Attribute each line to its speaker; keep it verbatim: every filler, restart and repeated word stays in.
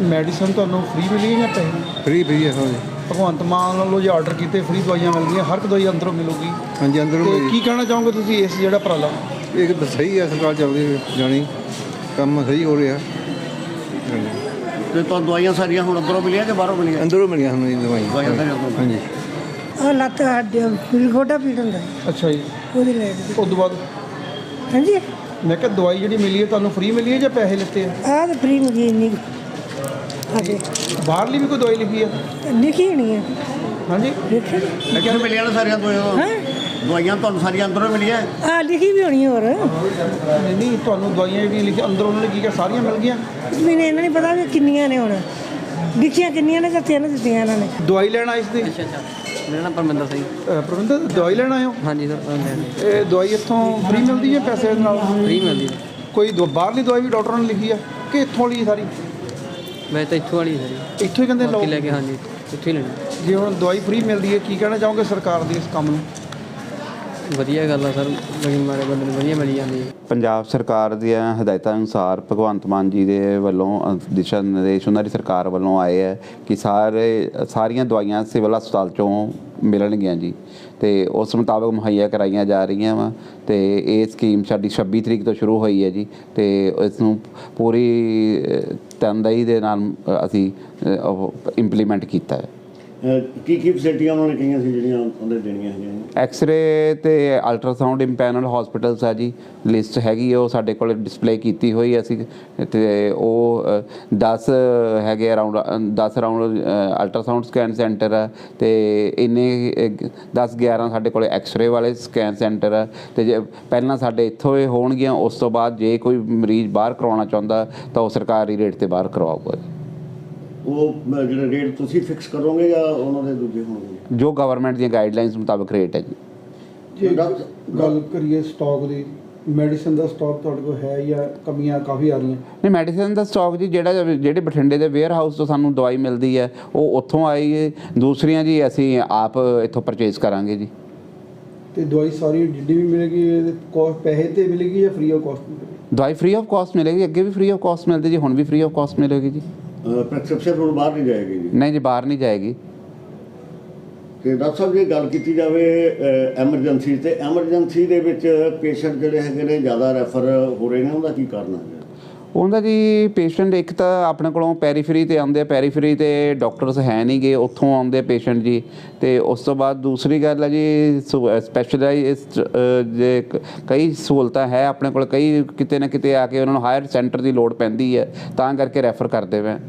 Speaker 1: Medicine ਤੁਹਾਨੂੰ free ਮਿਲੀ ਜਾਂ ਪੈਸੇ?
Speaker 2: ਫ੍ਰੀ ਫ੍ਰੀ ਹੈ ਹਾਂਜੀ।
Speaker 1: ਭਗਵੰਤ ਮਾਨ ਵੱਲੋਂ ਜੇ ਆਰਡਰ ਕੀਤੇ ਫ੍ਰੀ ਦਵਾਈਆਂ ਮਿਲਦੀਆਂ, ਹਰ ਇੱਕ ਦਵਾਈ ਅੰਦਰੋਂ ਮਿਲੂਗੀ।
Speaker 2: ਹਾਂਜੀ ਅੰਦਰੋਂ
Speaker 1: ਤੇ ਕੀ ਕਹਿਣਾ ਚਾਹੋਗੇ ਤੁਸੀਂ ਇਸ ਜਿਹੜਾ ਉਪਰਾਲਾ?
Speaker 2: ਇਹ ਤਾਂ ਸਹੀ ਹੈ, ਸਰਕਾਰ ਚੱਲਦੀ ਜਾਣੀ ਕੰਮ ਸਹੀ ਹੋ ਰਿਹਾ।
Speaker 3: ਤੇ ਤੁਹਾਨੂੰ ਦਵਾਈਆਂ ਸਾਰੀਆਂ ਹੁਣ ਅੰਦਰੋਂ ਮਿਲੀਆਂ ਕਿ ਬਾਹਰੋਂ ਮਿਲੀਆਂ?
Speaker 2: ਅੰਦਰੋਂ ਮਿਲੀਆਂ ਸਾਨੂੰ ਜੀ ਦਵਾਈਆਂ
Speaker 3: ਦਵਾਈਆਂ ਸਾਰੀਆਂ ਅੰਦਰੋਂ।
Speaker 2: ਹਾਂਜੀ।
Speaker 4: ਆਹ ਲੱਤ ਹੱਡ ਗੋਡਾ ਪੀੜ ਹੁੰਦਾ
Speaker 1: ਅੱਛਾ ਜੀ,
Speaker 4: ਉਹਦੀ ਲੈ
Speaker 1: ਉਸ ਤੋਂ ਬਾਅਦ
Speaker 4: ਹਾਂਜੀ
Speaker 1: ਮੈਂ ਕਿਹਾ ਦਵਾਈ ਜਿਹੜੀ ਮਿਲੀ ਹੈ ਤੁਹਾਨੂੰ ਫ੍ਰੀ ਮਿਲੀ ਹੈ ਜਾਂ ਪੈਸੇ ਲਿੱਤੇ ਆ?
Speaker 4: ਆਹ ਤਾਂ ਫ੍ਰੀ ਮਿਲੀ ਇੰਨੀ ਹਾਂਜੀ
Speaker 1: ਬਾਹਰਲੀ ਵੀ ਕੋਈ ਦਵਾਈ ਲਿਖੀ ਹੈ?
Speaker 4: ਲਿਖੀ ਹੋਣੀ ਹੈ
Speaker 1: ਹਾਂਜੀ
Speaker 4: ਲਿਖੀ
Speaker 3: ਮੈਂ ਕਿਹਾ ਮਿਲੀਆਂ ਨੇ ਸਾਰੀਆਂ ਦਵਾਈਆਂ?
Speaker 4: ਹਾਂ
Speaker 3: ਦਵਾਈਆਂ ਤੁਹਾਨੂੰ ਸਾਰੀਆਂ ਅੰਦਰੋਂ ਮਿਲੀਆਂ?
Speaker 4: ਆਹ ਲਿਖੀ ਵੀ ਹੋਣੀ ਹੋਰ
Speaker 1: ਨਹੀਂ ਨਹੀਂ, ਤੁਹਾਨੂੰ ਦਵਾਈਆਂ ਜਿਹੜੀਆਂ ਲਿਖੀਆਂ ਅੰਦਰ ਉਹਨਾਂ ਨੇ ਕੀ ਕਿਹਾ ਸਾਰੀਆਂ ਮਿਲ ਗਈਆਂ?
Speaker 4: ਮੈਨੂੰ ਇਹਨਾਂ ਨਹੀਂ ਪਤਾ ਵੀ ਕਿੰਨੀਆਂ ਨੇ ਹੁਣ ਲਿਖੀਆਂ ਕਿੰਨੀਆਂ ਨੇ ਜਾਂ ਤਿੰਨ ਦਿੱਤੀਆਂ ਇਹਨਾਂ ਨੇ।
Speaker 1: ਦਵਾਈ ਲੈਣ ਆਏ ਸੀ?
Speaker 5: ਅੱਛਾ ਅੱਛਾ ਮੇਰਾ ਨਾਮ ਪਰਮਿੰਦਰ ਸਿੰਘ।
Speaker 1: ਪ੍ਰਵਿੰਦਰ ਦਵਾਈ ਲੈਣ ਆਏ ਹੋ?
Speaker 5: ਹਾਂਜੀ ਸਰ
Speaker 1: ਇਹ ਦਵਾਈ ਇੱਥੋਂ ਫ੍ਰੀ ਮਿਲਦੀ ਹੈ ਪੈਸੇ ਨਾਲ?
Speaker 5: ਫ੍ਰੀ ਮਿਲਦੀ ਹੈ।
Speaker 1: ਕੋਈ ਦ- ਬਾਹਰਲੀ ਦਵਾਈ ਵੀ ਡਾਕਟਰਾਂ ਨੇ ਲਿਖੀ ਆ ਕਿ ਇੱਥੋਂ ਵਾਲੀ ਸਾਰੀ?
Speaker 5: ਮੈਂ ਤਾਂ ਇੱਥੋਂ ਵਾਲੀ ਸਰ
Speaker 1: ਇੱਥੋਂ ਹੀ ਕਹਿੰਦੇ ਲਓ।
Speaker 5: ਬਾਕੀ ਲੈ ਕੇ ਹਾਂਜੀ ਇੱਥੋਂ ਹੀ ਲੈਣੀ।
Speaker 1: ਜੇ ਹੁਣ ਦਵਾਈ ਫ੍ਰੀ ਮਿਲਦੀ ਹੈ, ਕੀ ਕਹਿਣਾ ਚਾਹੋਗੇ ਸਰਕਾਰ ਦੀ ਇਸ ਕੰਮ ਨੂੰ?
Speaker 5: ਵਧੀਆ ਗੱਲ ਆ ਸਰ, ਲੇਕਿਨ ਮਾਰੇ ਬੰਦੇ ਨੂੰ ਵਧੀਆ ਮਿਲੀ ਜਾਂਦੀ ਹੈ।
Speaker 6: ਪੰਜਾਬ ਸਰਕਾਰ ਦੀਆਂ ਹਦਾਇਤਾਂ ਅਨੁਸਾਰ ਭਗਵੰਤ ਮਾਨ ਜੀ ਦੇ ਵੱਲੋਂ ਅ, ਦਿਸ਼ਾ ਨਿਰਦੇਸ਼ ਉਹਨਾਂ ਦੀ ਸਰਕਾਰ ਵੱਲੋਂ ਆਏ ਹੈ ਕਿ ਸਾਰੇ ਸਾਰੀਆਂ ਦਵਾਈਆਂ ਸਿਵਲ ਹਸਪਤਾਲ 'ਚੋਂ ਮਿਲਣਗੀਆਂ ਜੀ, ਅਤੇ ਉਸ ਮੁਤਾਬਕ ਮੁਹੱਈਆ ਕਰਾਈਆਂ ਜਾ ਰਹੀਆਂ ਵਾ। ਅਤੇ ਇਹ ਸਕੀਮ ਸਾਡੀ ਛੱਬੀ ਤਰੀਕ ਤੋਂ ਸ਼ੁਰੂ ਹੋਈ ਹੈ ਜੀ, ਅਤੇ ਇਸ ਨੂੰ ਪੂਰੀ ਅ, ਤਨਦੇਹੀ ਦੇ ਨਾਲ ਅ, ਅਸੀਂ ਇੰਪਲੀਮੈਂਟ ਕੀਤਾ ਹੈ।
Speaker 3: ਕੀ ਕੀ ਫੈਸਿਲਿਟੀਆਂ ਉਹਨਾਂ ਨੇ ਕਹੀਆਂ ਸੀ ਜਿਹੜੀਆਂ ਉਹਦੇ ਦੇਣੀਆਂ ਹੈਗੀਆਂ?
Speaker 6: ਐਕਸ-ਰੇ ਤੇ ਅਲਟਰਾਸਾਊਂਡ ਇੰਪੈਨਲ ਹਸਪੀਟਲਸ ਆ ਜੀ, ਲਿਸਟ ਹੈਗੀ ਹੈ, ਉਹ ਸਾਡੇ ਕੋਲ ਡਿਸਪਲੇ ਕੀਤੀ ਹੋਈ ਅਸੀਂ। ਅਤੇ ਉਹ ਦਸ ਹੈਗੇ ਅਰਾਊਂਡ ਦਸ ਅਰਾਊਂਡ ਅਲਟਰਾਸਾਊਂਡ ਸਕੈਨ ਸੈਂਟਰ ਆ, ਅਤੇ ਇੰਨੇ ਦਸ ਗਿਆਰਾਂ ਸਾਡੇ ਕੋਲ ਐਕਸ-ਰੇ ਵਾਲੇ ਸਕੈਨ ਸੈਂਟਰ ਆ। ਅਤੇ ਜੇ ਪਹਿਲਾਂ ਸਾਡੇ ਇੱਥੋਂ ਇਹ ਹੋਣਗੀਆਂ, ਉਸ ਤੋਂ ਬਾਅਦ ਜੇ ਕੋਈ ਮਰੀਜ਼ ਬਾਹਰ ਕਰਵਾਉਣਾ ਚਾਹੁੰਦਾ ਤਾਂ ਉਹ ਸਰਕਾਰੀ ਰੇਟ 'ਤੇ ਬਾਹਰ ਕਰਵਾਊਗਾ।
Speaker 3: ਉਹ ਜਿਹੜੇ ਰੇਟ ਤੁਸੀਂ ਫਿਕਸ ਕਰੋਗੇ ਜਾਂ ਉਹਨਾਂ ਦੇ ਦੂਜੇ ਹੋਣਗੇ?
Speaker 6: ਜੋ ਗਵਰਨਮੈਂਟ ਦੀਆਂ ਗਾਈਡਲਾਈਨਸ ਮੁਤਾਬਕ ਰੇਟ ਹੈ ਜੀ।
Speaker 1: ਜੇ ਗੱਲ ਕਰੀਏ ਸਟਾਕ ਦੀ, ਮੈਡੀਸਨ ਦਾ ਸਟਾਕ ਤੁਹਾਡੇ ਕੋਲ ਹੈ ਜਾਂ ਕਮੀਆਂ ਕਾਫੀ ਆ ਰਹੀਆਂ?
Speaker 6: ਨਹੀਂ, ਮੈਡੀਸਨ ਦਾ ਸਟਾਕ ਜੀ ਜਿਹੜਾ ਜਿਹੜੇ ਬਠਿੰਡੇ ਦੇ ਵੇਅਰ ਹਾਊਸ ਤੋਂ ਸਾਨੂੰ ਦਵਾਈ ਮਿਲਦੀ ਹੈ ਉਹ ਉੱਥੋਂ ਆਈ ਹੈ। ਦੂਸਰੀਆਂ ਜੀ ਅਸੀਂ ਆਪ ਇੱਥੋਂ ਪਰਚੇਜ਼ ਕਰਾਂਗੇ ਜੀ।
Speaker 1: ਤੇ ਦਵਾਈ ਸਾਰੀ ਜਿੱਡੀ ਵੀ ਮਿਲੇਗੀ ਕੋਸਟ ਪੈਸੇ ਤੇ ਮਿਲੇਗੀ ਜਾਂ ਫ੍ਰੀ ਆਫ ਕਾਸਟ ਮਿਲੇਗੀ?
Speaker 6: ਦਵਾਈ ਫ੍ਰੀ ਆਫ ਕਾਸਟ ਮਿਲੇਗੀ, ਅੱਗੇ ਵੀ ਫ੍ਰੀ ਆਫ ਕਾਸਟ ਮਿਲਦੀ ਜੀ, ਹੁਣ ਵੀ ਫ੍ਰੀ ਆਫ ਕਾਸਟ ਮਿਲੇਗੀ ਜੀ।
Speaker 3: ਪ੍ਰੈਸਕ੍ਰਿਪਸ਼ਨ ਹੁਣ ਬਾਹਰ ਨਹੀਂ ਜਾਏਗੀ ਜੀ?
Speaker 6: ਨਹੀਂ ਜੀ, ਬਾਹਰ ਨਹੀਂ ਜਾਏਗੀ।
Speaker 3: ਤੇ ਡਾਕਟਰ ਸਾਹਿਬ ਜੇ ਗੱਲ ਕੀਤੀ ਜਾਵੇ ਐਮਰਜੈਂਸੀ, ਤੇ ਐਮਰਜੈਂਸੀ ਦੇ ਵਿੱਚ ਪੇਸ਼ੈਂਟ ਜਿਹੜੇ ਹੈਗੇ ਨੇ ਜ਼ਿਆਦਾ ਰੈਫਰ ਹੋ ਰਹੇ ਨੇ, ਉਹਦਾ ਕੀ ਕਾਰਨ ਹੈ?
Speaker 6: ਉਹਦਾ ਜੀ ਪੇਸ਼ੈਂਟ ਇੱਕ ਤਾਂ ਆਪਣੇ ਕੋਲੋਂ ਪੈਰੀਫਰੀ 'ਤੇ ਆਉਂਦੇ ਆ, ਪੈਰੀਫਰੀ 'ਤੇ ਡਾਕਟਰਸ ਹੈ ਨਹੀਂ ਗੇ, ਉੱਥੋਂ ਆਉਂਦੇ ਪੇਸ਼ੈਂਟ ਜੀ। ਅਤੇ ਉਸ ਤੋਂ ਬਾਅਦ ਦੂਸਰੀ ਗੱਲ ਹੈ ਜੀ ਸਪੈਸ਼ਲਾਈਜ਼ਡ ਜੇ ਕਈ ਸਹੂਲਤਾਂ ਹੈ ਆਪਣੇ ਕੋਲ, ਕਈ ਕਿਤੇ ਨਾ ਕਿਤੇ ਆ ਕੇ ਉਹਨਾਂ ਨੂੰ ਹਾਇਰ ਸੈਂਟਰ ਦੀ ਲੋੜ ਪੈਂਦੀ ਹੈ, ਤਾਂ ਕਰਕੇ ਰੈਫਰ ਕਰਦੇ ਵੇ।